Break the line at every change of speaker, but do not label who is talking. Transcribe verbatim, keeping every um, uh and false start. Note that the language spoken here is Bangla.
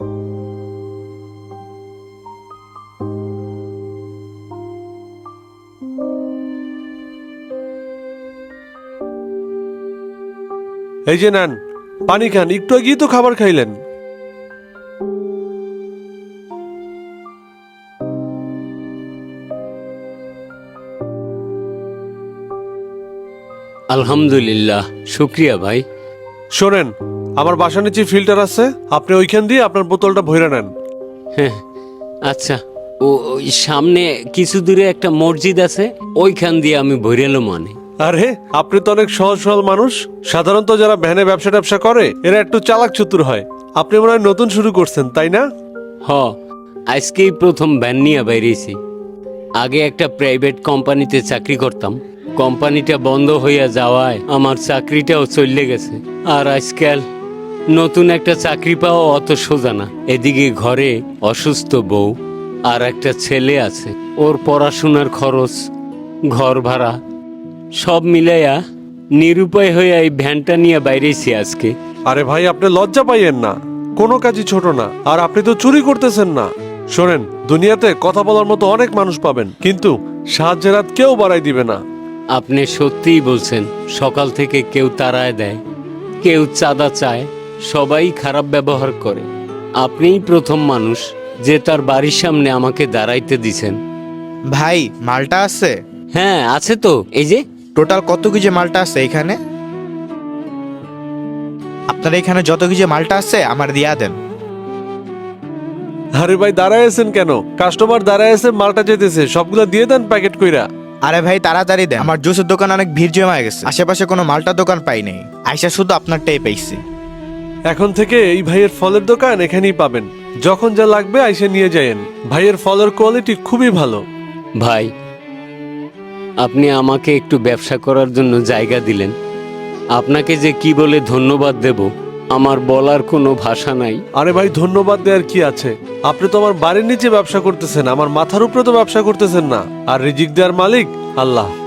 এই যে নেন পানি খান, একটু আগেই তো খাবার খাইলেন।
আলহামদুলিল্লাহ, শুক্রিয়া ভাই।
শোনেন, আমার বাসার নিচে ফিল্টার আছে, আপনি ওইখান দিয়ে আপনার বোতলটা ভরে নেন।
হ্যাঁ আচ্ছা, ও ওই সামনে কিছু দূরে একটা মসজিদ আছে, ওইখান দিয়ে আমি ভরেলো মানে।
আরে আপনি তো অনেক সহজ সরল মানুষ। সাধারণত যারা ভ্যানে ব্যবসা ট্যাবসা করে এরা একটু চালাক চতুর হয়। আপনি মনে হয় নতুন শুরু করছেন, তাই না?
হ, আজকেই প্রথম ভ্যান নিয়ে বাইরেছি। আগে একটা প্রাইভেট কোম্পানিতে চাকরি করতাম, কোম্পানিটা বন্ধ হইয়া যাওয়ায় আমার চাকরিটাও চলে গেছে। আর আজকাল নতুন একটা চাকরি পাওয়া অত সোজা না। এদিকে ঘরে অসুস্থ বউ আর একটা ছেলে আছে, ওর পড়াশোনার খরচ, ঘর ভাড়া সব মিলাইয়া নিরুপায় হইয়া এই ভ্যানটা নিয়ে বাইরেছি আজকে।
আরে ভাই, আপনি লজ্জা পাইয়েন না, কোনো কাজই ছোট না। আর আপনি তো চুরি করতেছেন না। শোনেন, দুনিয়াতে কথা বলার মতো অনেক মানুষ পাবেন, কিন্তু সাহায্যের হাত কেউ বাড়াই দিবে না।
আপনি সত্যিই বলছেন, সকাল থেকে কেউ তাড়ায় দেয়, কেউ চাঁদা চায়, সবাই খারাপ ব্যবহার করে। আপনিই প্রথম মানুষ যে তার বাড়ির সামনে আমাকে দাঁড়াইতে দিছেন।
ভাই, মালটা আছে?
হ্যাঁ আছে তো, এই যে।
টোটাল কত কেজি মালটা আছে এখানে? আপনার এখানে যত কেজি মালটা আছে আমার দিয়া দেন।
আরে ভাই, দাঁড়ায় আছেন কেন? কাস্টমার দাঁড়ায় আছে, মালটা যেতেছে, সবগুলা দিয়ে দেন প্যাকেট কইরা।
আরে ভাই তাড়াতাড়ি দেন, আমার জুসের দোকান অনেক ভিড় জমা গেছে, আশেপাশে কোনো মালটা দোকান পাই নাই, আইসা শুধু আপনারটাই পাইছি।
এখন থেকে এই ভাইয়ের ফলের দোকান এখানেই পাবেন। যখন যা লাগবে আইসা নিয়ে যায়েন। ভাইয়ের ফলের কোয়ালিটি খুবই ভালো।
ভাই, আপনি আমাকে একটু ব্যবসা করার জন্য জায়গা দিলেন, আপনাকে যে কি বলে ধন্যবাদ দেব আমার বলার কোনো ভাষা নাই।
আরে ভাই, ধন্যবাদ দেওয়ার কি আছে? আপনি তো আমার বাড়ির নিচে ব্যবসা করতেছেন, আমার মাথার উপরে তো ব্যবসা করতেছেন না। আর রিজিক দেওয়ার মালিক আল্লাহ।